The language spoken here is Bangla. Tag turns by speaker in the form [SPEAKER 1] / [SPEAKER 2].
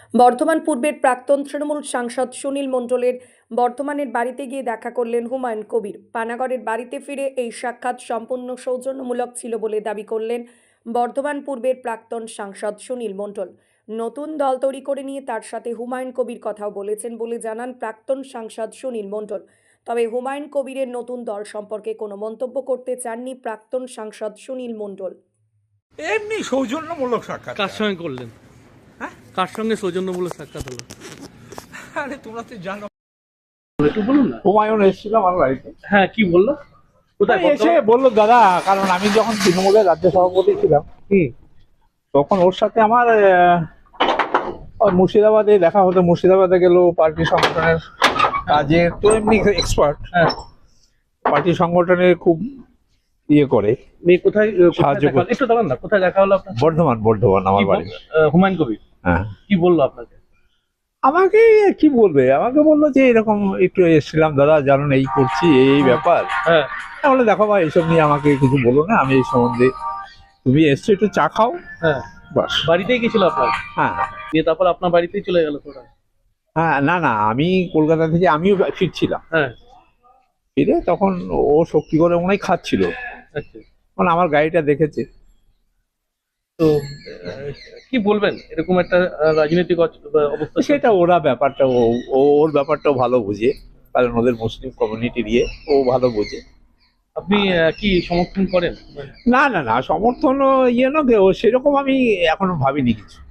[SPEAKER 1] বর্ধমান পূর্বের প্রাক্তন তৃণমূল সাংসদ সুনীল মণ্ডলের বর্ধমানের বাড়িতে গিয়ে দেখা করলেন হুমায়ুন কবির। পানাগড়ের বাড়িতে ফিরে এই সাক্ষাৎ সম্পূর্ণ সৌজন্যমূলক ছিল বলে দাবি করলেন বর্ধমান পূর্বের প্রাক্তন সাংসদ সুনীল মণ্ডল। নতুন দল তৈরি করে নিয়ে তার সাথে হুমায়ুন কবির কথাও বলেছেন বলে জানান প্রাক্তন সাংসদ সুনীল মণ্ডল। তবে হুমায়ুন কবিরের নতুন দল সম্পর্কে কোনো মন্তব্য করতে চাননি প্রাক্তন সাংসদ সুনীল মণ্ডল।
[SPEAKER 2] এমনি সৌজন্যমূলক সাক্ষাৎ।
[SPEAKER 3] কার সঙ্গে করলেন?
[SPEAKER 2] হ্যাঁ?
[SPEAKER 3] কার সঙ্গে সৌজন্যমূলক সাক্ষাৎ হলো?
[SPEAKER 2] আরে তোমরা তো জানো,
[SPEAKER 3] একটু বলুন না।
[SPEAKER 2] হুমায়ুন এসেছিল আমার বাড়িতে।
[SPEAKER 3] হ্যাঁ, কি বললো? কোথায়
[SPEAKER 2] এসে বললো দাদা, কারণ আমি যখন তৃণমূলের রাজ্য সভাপতি ছিলাম তখন ওর সাথে আমার ওই মুর্শিদাবাদে দেখা হতো। মুর্শিদাবাদে গেল পার্টি সংগঠনের কাজে, তো এমনি এক্সপার্ট,
[SPEAKER 3] হ্যাঁ,
[SPEAKER 2] পার্টি সংগঠনে খুব ইয়ে করে।
[SPEAKER 3] মেয়ে কোথায়
[SPEAKER 2] সাহায্য
[SPEAKER 3] দেখা হলো?
[SPEAKER 2] করতে।
[SPEAKER 3] একটু দাঁড়ান না, কোথায় দেখা হলো আপনার?
[SPEAKER 2] বর্ধমান আমার
[SPEAKER 3] কি
[SPEAKER 2] বাড়ি।
[SPEAKER 3] হুমায়ুন কবির
[SPEAKER 2] হ্যাঁ,
[SPEAKER 3] কি বললো আপনাকে?
[SPEAKER 2] আমাকে কি বলবে, আমাকে বললো যে এরকম একটু এসেছিলাম দাদা, জানুন এই করছি এই ব্যাপার।
[SPEAKER 3] হ্যাঁ,
[SPEAKER 2] তাহলে দেখো ভাই, এইসব নিয়ে আমাকে কিছু বলো না, আমি এই সম্বন্ধে, তুমি এসছো একটু চা খাও,
[SPEAKER 3] হ্যাঁ,
[SPEAKER 2] বাস।
[SPEAKER 3] বাড়িতেই গেছিল আপনার?
[SPEAKER 2] হ্যাঁ
[SPEAKER 3] দিয়ে তারপর আপনার বাড়িতেই চলে গেল তোরা?
[SPEAKER 2] হ্যাঁ, না না, আমি কলকাতা থেকে আমিও ফিরছিলাম।
[SPEAKER 3] হ্যাঁ,
[SPEAKER 2] ফিরে তখন ও শক্তি করে মনে হয় খাচ্ছিল,
[SPEAKER 3] আচ্ছা।
[SPEAKER 2] মানে আমার গাড়িটা দেখেছে।
[SPEAKER 3] তো কি বলবেন এরকম একটা রাজনৈতিক অবস্থা?
[SPEAKER 2] সেটা ওরা ব্যাপারটা ওর ব্যাপারটাও ভালো বুঝে, কারণ ওদের মুসলিম কমিউনিটি নিয়ে ও ভালো বুঝে।
[SPEAKER 3] আপনি কি সমর্থন করেন?
[SPEAKER 2] না না না, সমর্থন ইয়ে না, ও সেরকম আমি এখনো ভাবিনি কিছু।